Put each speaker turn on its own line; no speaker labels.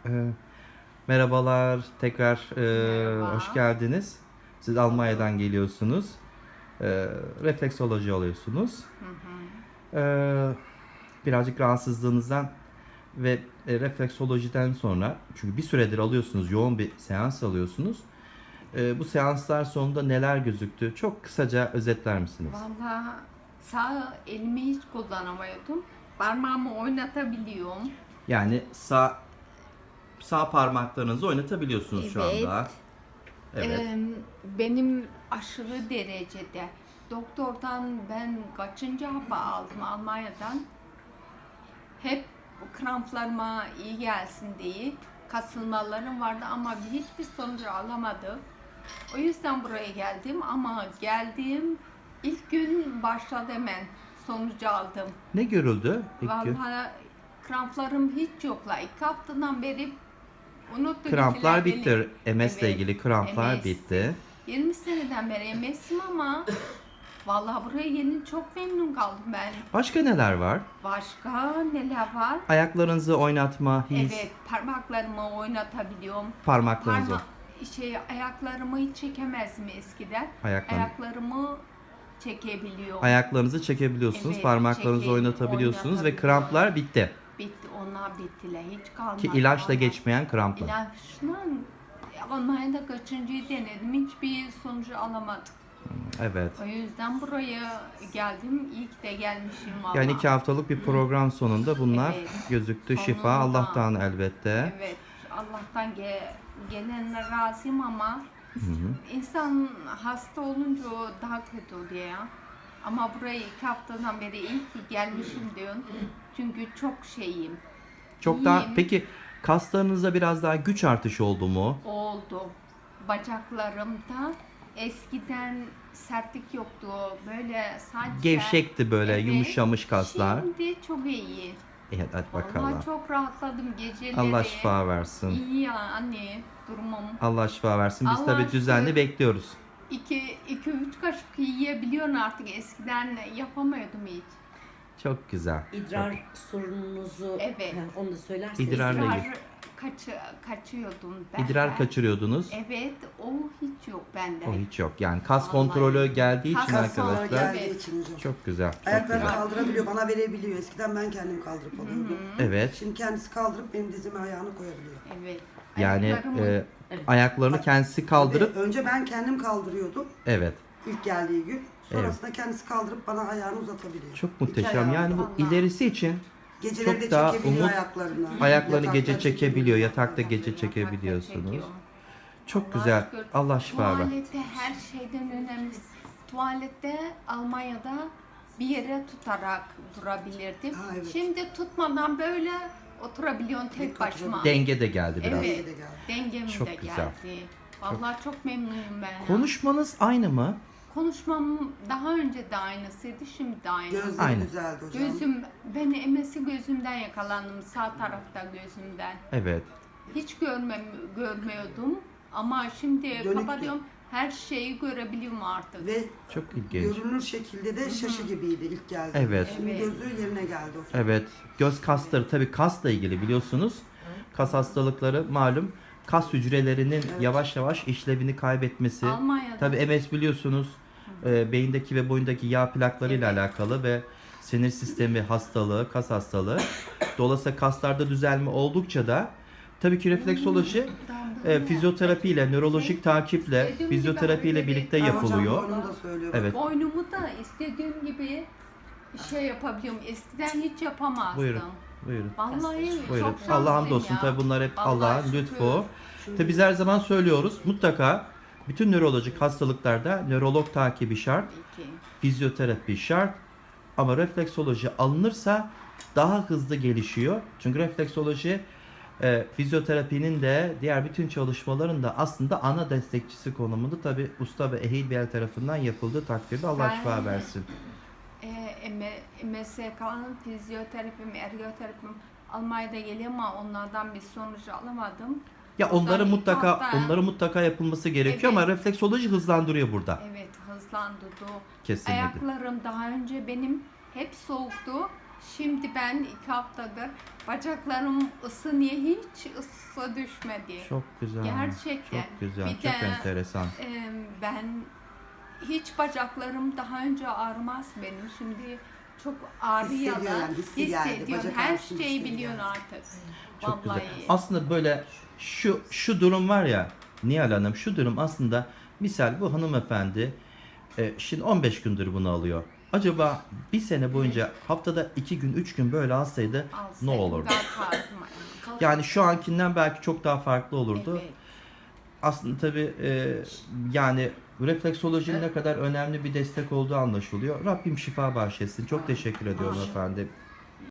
Ee, Merhabalar, tekrar hoş
Merhaba.
geldiniz. Siz Almanya'dan geliyorsunuz. Refleksoloji oluyorsunuz.
Hı hı.
Ee, Birazcık rahatsızlığınızdan ve refleksolojiden sonra, çünkü bir süredir alıyorsunuz, yoğun bir seans alıyorsunuz. Bu seanslar sonunda neler gözüktü? Çok kısaca özetler misiniz?
Valla sağ elimi hiç kullanamıyordum. Parmağımı oynatabiliyorum.
Yani sağ parmaklarınızı oynatabiliyorsunuz şu
Evet.
anda. Evet.
Benim aşırı derecede doktordan ben kaçıncı hapı aldım Almanya'dan. Hep kramplarıma iyi gelsin diye kasılmalarım vardı ama hiçbir sonucu alamadım. O yüzden buraya geldim ama geldiğim ilk gün başladı hemen sonucu aldım.
Ne görüldü ilk gün?
Vallahi kramplarım hiç yokla. 2 haftadan beri unuttu
Kramplar
gittiler beni.
bitti. MS ile
Evet,
ilgili kramplar
MS.
bitti.
20 seneden beri MS'im ama vallahi buraya gelin çok memnun kaldım ben.
Başka neler var?
Başka neler var?
Ayaklarınızı oynatma, his,
Evet, parmaklarımı oynatabiliyorum.
parmaklarınızı,
Ayaklarımı hiç çekemezdim eskiden.
ayaklarını,
Ayaklarımı çekebiliyorum.
ayaklarınızı çekebiliyorsunuz,
Evet,
parmaklarınızı oynatabiliyorsunuz ve
oynatabiliyorum.
kramplar bitti.
Bitti, onlar bittiler. Hiç kalmadı.
Ki ilaçla
Vallahi.
geçmeyen kramplar.
İlaçla Almanya'da kaçıncıyı denedim. Hiçbir sonucu alamadım.
Evet.
O yüzden buraya geldim. İyi ki de gelmişim valla.
Yani 2 haftalık bir program sonunda bunlar
Evet.
gözüktü. Şifa
Sonunda.
Allah'tan elbette.
Evet, Allah'tan gelenler razıyım ama insan hasta olunca o daha kötü oluyor ya. Ama buraya 2 haftadan beri iyi ki gelmişim diyorum. Çünkü çok şeyim.
Çok daha
İyiyim.
peki kaslarınızda biraz daha güç artışı oldu mu?
Oldu. Bacaklarımda eskiden sertlik yoktu. Böyle sadece
Gevşekti böyle, yumuşamış kaslar.
Şimdi çok iyi.
Evet, hadi bakalım.
Vallahi çok rahatladım geceleri.
Allah şifa versin.
İyi ya anne durumum.
Allah şifa versin. Biz
Allah
tabii düzenli
şükür.
bekliyoruz.
2-3 kaşık yiyebiliyorsun artık. Eskiden yapamıyordum hiç.
Çok güzel.
İdrar sorununuzu
Evet.
onu da söylerseniz.
İdrarla
İdrar
ilgili.
kaçıyordum ben.
İdrar kaçırıyordunuz.
Evet, o hiç yok bende.
O hiç yok. Yani kas
Vallahi.
kontrolü geldiği için
Kas
Sonra
arkadaşlar.
geldiği için hocam.
Çok güzel. Çok
Ayaklarını
güzel.
kaldırabiliyor, bana verebiliyor. Eskiden ben kendim kaldırıp alıyordum.
Evet.
Şimdi kendisi kaldırıp benim dizime ayağını koyabiliyor.
Evet.
Yani
Ayaklarımı-
ayaklarını kendisi kaldırıp
Tabii, önce ben kendim kaldırıyordum
evet.
ilk geldiği gün. Sonrasında kendisi kaldırıp bana ayağını uzatabiliyor.
Çok
İki
muhteşem.
ayağını
Yani
da.
bu
Allah.
ilerisi için
Geceleri
çok
de
daha
çekebiliyor
umut,
ayaklarını.
ayaklarını
Yatakta
gece çekebiliyor. Yatakta gece
Yatakta
çekebiliyorsunuz.
çekiyorum.
Çok
Allah'a
güzel.
şükür.
Allah şifa ver.
Tuvalette her şeyden önemlisi. Tuvalette Almanya'da bir yere tutarak durabilirdim.
Ha, evet.
Şimdi tutmadan böyle oturabiliyorsun tek başıma.
Denge de geldi biraz.
Evet.
Denge de geldi.
Dengem
Çok
de
güzel.
geldi. Vallahi çok memnunum ben.
Konuşmanız aynı mı?
Konuşmam daha önce de aynısıydı, şimdi de aynı.
Gözleri
Aynen.
güzeldi hocam.
Ben MS'i gözümden yakalandım, sağ tarafta gözümden.
Evet.
Hiç görmüyordum ama şimdi
Dönüktü.
kapatıyorum, her şeyi görebiliyorum artık.
Ve
Çok ilginç.
görünür şekilde de şaşı gibiydi ilk geldiğinde.
Evet.
Şimdi
Evet.
gözü yerine geldi.
Evet. Göz kasları tabii kasla ilgili biliyorsunuz. Kas hastalıkları malum kas hücrelerinin yavaş yavaş işlevini kaybetmesi.
Almanya'da.
Tabii MS biliyorsunuz beyindeki ve boyundaki yağ plaklarıyla
Evet.
alakalı ve sinir sistemi hastalığı, kas hastalığı. Dolayısıyla kaslarda düzelme oldukça da tabii ki refleksoloji fizyoterapi ile, nörolojik takiple,
Dediğim
fizyoterapi ile
gibi
birlikte
böyle
yapılıyor.
Hocam boynum da söylüyor.
Evet.
Boynumu da istediğim gibi şey yapabiliyorum. Eskiden hiç yapamazdım.
Buyurun. Buyurun.
Vallahi
Buyurun.
çok şanslıyım
Allah hamdolsun.
ya.
Tabii bunlar hep
Vallahi
Allah'ın
şükür.
lütfu. Tabii biz her zaman söylüyoruz. Mutlaka bütün nörolojik hastalıklarda nörolog takibi şart,
Peki.
fizyoterapi şart. Ama refleksoloji alınırsa daha hızlı gelişiyor. Çünkü refleksoloji fizyoterapinin de diğer bütün çalışmaların da aslında ana destekçisi konumunda. Tabii usta ve ehil bir el tarafından yapıldığı takdirde Allah
Ben-
şifa versin.
MSK'nın fizyoterapim, ergoterapim Almanya'da geliyor ama onlardan bir sonuç alamadım.
Ya onları
Oradan
mutlaka
ilk hafta-
mutlaka yapılması gerekiyor ama
Evet.
refleksoloji hızlandırıyor burada.
Evet, hızlandırdı.
Kesinlikle.
Ayaklarım daha önce benim hep soğuktu. Şimdi ben 2 haftadır bacaklarım ısınıyor, hiç ısı düşmedi.
Çok güzel.
Gerçekten.
Çok güzel.
Bir
Çok
de,
enteresan.
Ben hiç bacaklarım daha önce ağrımaz benim. Şimdi çok ağrıyor
Hissediyor
da
yani, hissi geldi.
hissediyorum.
Bacak
Her
ağrısını
şeyi
hissediyor.
biliyorsun artık.
Çok
Vallahi.
güzel. Aslında böyle şu durum var ya Nihal Hanım, şu durum aslında misal bu hanımefendi şimdi 15 gündür bunu alıyor. Acaba bir sene boyunca haftada 2 gün 3 gün böyle alsaydı ne
Alsaydım
olurdu?
kalkardım.
Yani şu ankinden belki çok daha farklı olurdu.
Evet.
Aslında tabii yani refleksolojinin ne kadar önemli bir destek olduğu anlaşılıyor. Rabbim şifa bahşetsin. Çok teşekkür ediyorum efendim.